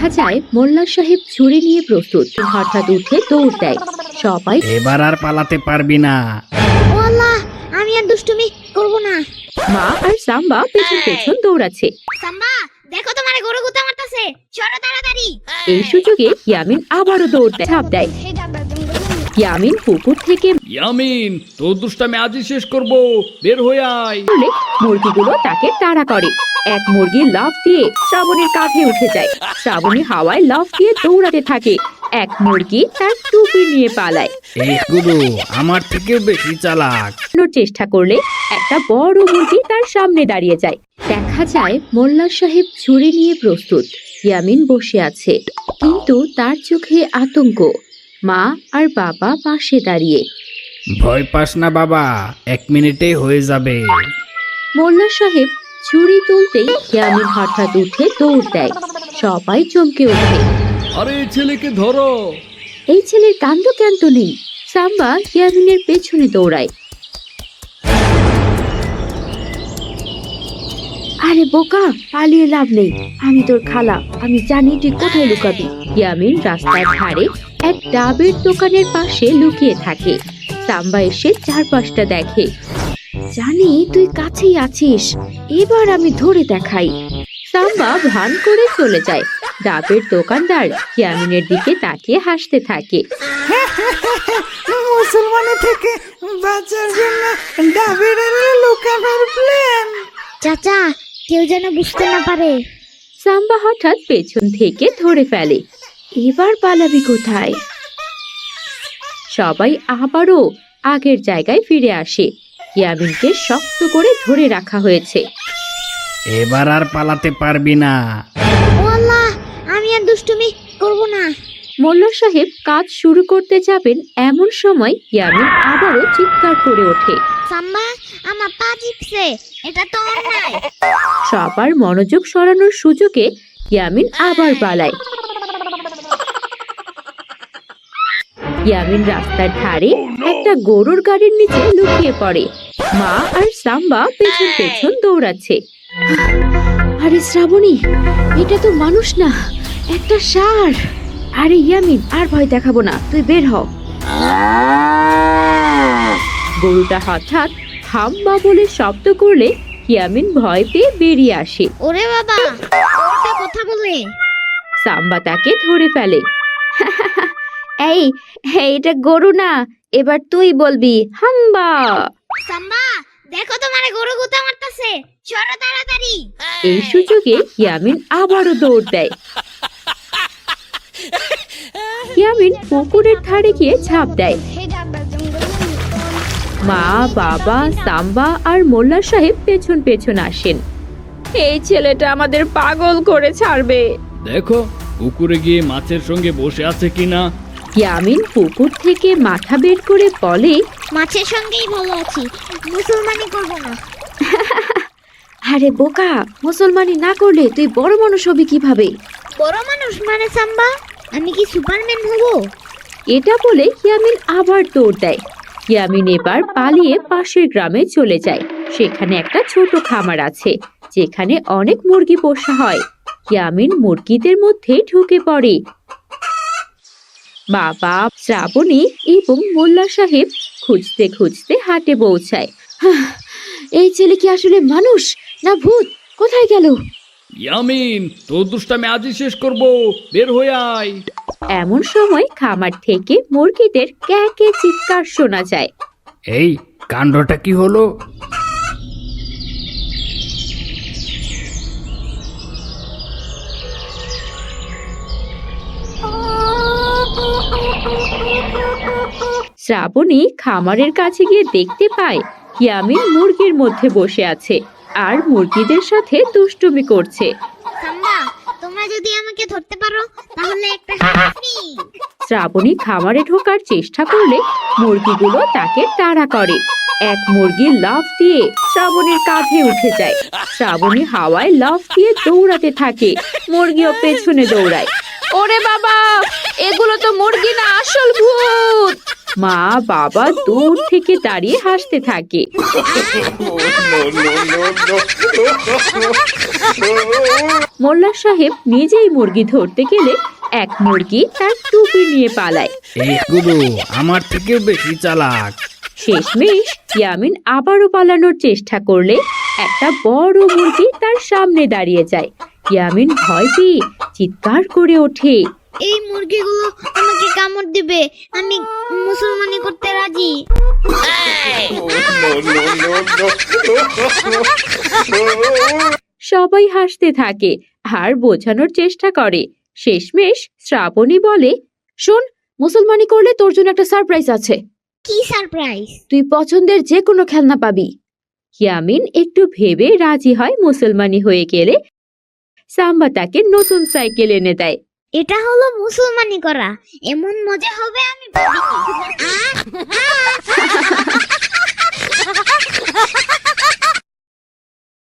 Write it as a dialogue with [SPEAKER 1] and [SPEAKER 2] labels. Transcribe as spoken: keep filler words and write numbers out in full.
[SPEAKER 1] দেখা যায় মোল্লা সাহেব ছুরি নিয়ে প্রস্তুত। হঠাৎ উঠে দৌড় দেয়। সবাই
[SPEAKER 2] এবার আর পালাতে পারবি না।
[SPEAKER 3] ও আল্লাহ, আমি আর দুষ্টুমি করব না।
[SPEAKER 1] মা আর সাম্বা পেছন পেছন দৌড়াচ্ছে।
[SPEAKER 3] সাম্বা, দেখো তোমারে গরু গুতা মারতাছে, চলো তাড়াতাড়ি।
[SPEAKER 1] এই সুযোগে ইয়ামিন আবারও দৌড় দেয়, ঝাঁপ দেয়। ইয়ামিন পুকুর থেকে
[SPEAKER 2] ইয়ামিন, তোর দুষ্টামি আজই শেষ করব, বের হয়ে আয়।
[SPEAKER 1] বলে মুরগিগুলো তাকে তাড়া করে। এক মুরগি লাফ দিয়ে শ্রাবণীর কাঁধে উঠে যায়। শ্রাবণী হাওয়ায় লাফ দিয়ে দৌড়াতে থাকে। এক মুরগি তার টুপি নিয়ে পালায়।
[SPEAKER 2] এই গুরু আমার থেকেও বেশি চালাক।
[SPEAKER 1] চেষ্টা করলে একটা বড় মুরগি তার সামনে দাঁড়িয়ে যায়। দেখা যায় মোল্লা সাহেব ছুরি নিয়ে প্রস্তুত। ইয়ামিন বসে আছে, কিন্তু তার চোখে আতঙ্ক। মা আর বাবা পাশে দাঁড়িয়ে।
[SPEAKER 2] ভয় পাস না বাবা, এক মিনিটে হয়ে যাবে।
[SPEAKER 1] মোল্লা সাহেব ছুরি তুলতেই ইয়ামিন হঠাৎ উঠে দৌড় দেয়। সবাই চমকে ওঠে।
[SPEAKER 2] আরে ছেলেকে ধরো।
[SPEAKER 1] এই ছেলের কাণ্ড জ্ঞান তো নেই। সাম্বা ইয়ামিনের পেছনে দৌড়ায়। আরে বোকা, পালিয়ে লাভ নেই। আমি তোর খালা, আমি জানি তুই কোথায় লুকাবি। ইয়ামিন রাস্তার ধারে এক ডাবের দোকানের পাশে লুকিয়ে থাকে। সাম্বা এসে চারপাশটা দেখে। জানি তুই কাছেই আছিস, এবার আমি ধরে দেখাই। সাম্বা ভান করে চলে যায়। ডাবের দোকানদার ইয়ামিনের দিকে তাকিয়ে হাসতে থাকে।
[SPEAKER 4] মুসলমানের থেকে বাঁচার জন্য ডাবের আড়ালে লুকানোর প্ল্যান।
[SPEAKER 3] চাচা, কেউ যেন বুঝতে না পারে।
[SPEAKER 1] সাম্বা হঠাৎ পেছন থেকে ধরে ফেলে। এবার পালাবি কোথায়? সবাই আবারও আগের জায়গায় ফিরে আসে। ইয়ামিনকে শক্ত করে ধরে রাখা হয়েছে।
[SPEAKER 2] এবার আর পালাতে পারবি না।
[SPEAKER 3] ও আল্লাহ, আমি আর দুষ্টুমি করব না।
[SPEAKER 1] মোল্লা সাহেব কাজ শুরু করতে যাবেন, এমন সময় ইয়ামিন আবারও চিৎকার করে ওঠে।
[SPEAKER 3] সাম্বা, আমার পা চিপছে, এটা তো অন্যায়।
[SPEAKER 1] সবার মনোযোগ সরানোর সুযোগে ইয়ামিন আবার পালায়। ইয়ামিন রাস্তার ধারে একটা গরুর গাড়ির নিচে লুকিয়ে পড়ে। মা আর সাম্বা পেছন পেছন দৌড়াচ্ছে। আরে শ্রাবণী, এটা তো মানুষ না, একটা ষাঁড়। আরে ইয়ামিন, আর ভয় দেখাবো না, তুই বের হ। গরুটা হঠাৎ হাম্বা বলে শব্দ করলে ইয়ামিন ভয় পেয়ে বেরিয়ে আসে।
[SPEAKER 3] ওরে বাবা, ওটা কথা বলে।
[SPEAKER 1] সাম্বা তাকে ধরে ফেলে। এই, এটা গরু না, এবার তুই বলবি হাম্বা।
[SPEAKER 3] সাম্বা, দেখো তোমারে গরু গুতা মারতাছে, চলো তাড়াতাড়ি।
[SPEAKER 1] এই সুযোগে ইয়ামিন আবারও দৌড় দেয়। ইয়ামিন পুকুরের ধারে গিয়ে ঝাঁপ দেয়। মা, বাবা, সাম্বা আর মোল্লা সাহেব পেছন পেছন আসেন। এই ছেলেটা আমাদের পাগল করে ছাড়বে।
[SPEAKER 2] দেখো পুকুরে গিয়ে মাছের সঙ্গে বসে আছে কিনা।
[SPEAKER 1] ইয়ামিন পুকুর থেকে মাথা বের করে বলে,
[SPEAKER 3] মাছের সঙ্গেই ভালো আছি, মুসলমানি করব না।
[SPEAKER 1] আরে বোকা, মুসলমানি না করলে তুই বড় মানুষ হবি কিভাবে?
[SPEAKER 3] বড় মানুষ মানে সাম্বা, আমি কি সুপারম্যান হব?
[SPEAKER 1] এটা বলে ইয়ামিন আবার দৌড় দেয়। ইয়ামিন এবার পালিয়ে পাশের গ্রামে চলে যায়। সেখানে একটা ছোট খামার আছে, যেখানে অনেক মুরগি পোষা হয়। ইয়ামিন মুরগিদের মধ্যে ঢুকে পড়ে। বাবা, শ্রাবণী এবং মোল্লা সাহেব খুঁজতে খুঁজতে হাটে পৌঁছায়। এই ছেলে কি আসলে মানুষ না ভূত? কোথায় গেল?
[SPEAKER 2] ইয়ামিন, তোর দুষ্টামি আজই শেষ করব, বের হয়ে আয়।
[SPEAKER 1] এমন সময় খামার থেকে মুরগিদের ক্যাঁকে চিৎকার শোনা যায়।
[SPEAKER 2] এই কাণ্ডটা কি হলো?
[SPEAKER 1] শ্রাবণী খামারের কাছে গিয়ে দেখতে পায় ইয়ামিন মুরগির মধ্যে বসে আছে আর মুরগিদের সাথে দুষ্টুমি করছে।
[SPEAKER 3] সাম্বা, তোমরা যদি আমাকে ধরতে পারো তাহলে একটা ফ্রি।
[SPEAKER 1] শ্রাবণী খামারে ঢোকার চেষ্টা করলে মুরগিগুলো তাকে তাড়া করে। এক মুরগি লাফ দিয়ে শ্রাবণীর কাঁধে উঠে যায়। শ্রাবণী হাওয়ায় লাফ দিয়ে দৌড়াতে থাকে। মুরগিও পেছনে দৌড়ায়। ওরে বাবা, এগুলো তো মুরগি না, আসল ভূত। মা বাবা দূর থেকে দাঁড়িয়ে হাসতে থাকে। মোল্লা সাহেব নিজেই মুরগি ধরতে গেলে এক মুরগি তার টুপি নিয়ে পালায়।
[SPEAKER 2] এই গুরু আমার থেকেও বেশি চালাক।
[SPEAKER 1] শেষমেশ ইয়ামিন আবারও পালানোর চেষ্টা করলে একটা বড় মুরগি তার সামনে দাঁড়িয়ে যায়। ইয়ামিন ভয় পেয়ে চিৎকার করে ওঠে।
[SPEAKER 3] এই মুরগিগুলো আমাকে কামড় দিবে, আমি মুসলমানি করতে রাজি।
[SPEAKER 1] সবাই হাসতে থাকে আর বোঝানোর চেষ্টা করে। শেষমেশ শ্রাবণী বলে, শোন, মুসলমানি করলে তোর জন্য একটা সারপ্রাইজ আছে।
[SPEAKER 3] কি সারপ্রাইজ?
[SPEAKER 1] তুই পছন্দের যে কোনো খেলনা পাবি। ইয়ামিন একটু ভেবে রাজি হয়। মুসলমানি হয়ে গেলে সাম্বা তাকে নতুন সাইকেল এনে দেয়।
[SPEAKER 3] এটা হলো মুসলমানি করা, এমন মজা হবে আমি ভাবিনি। আহ!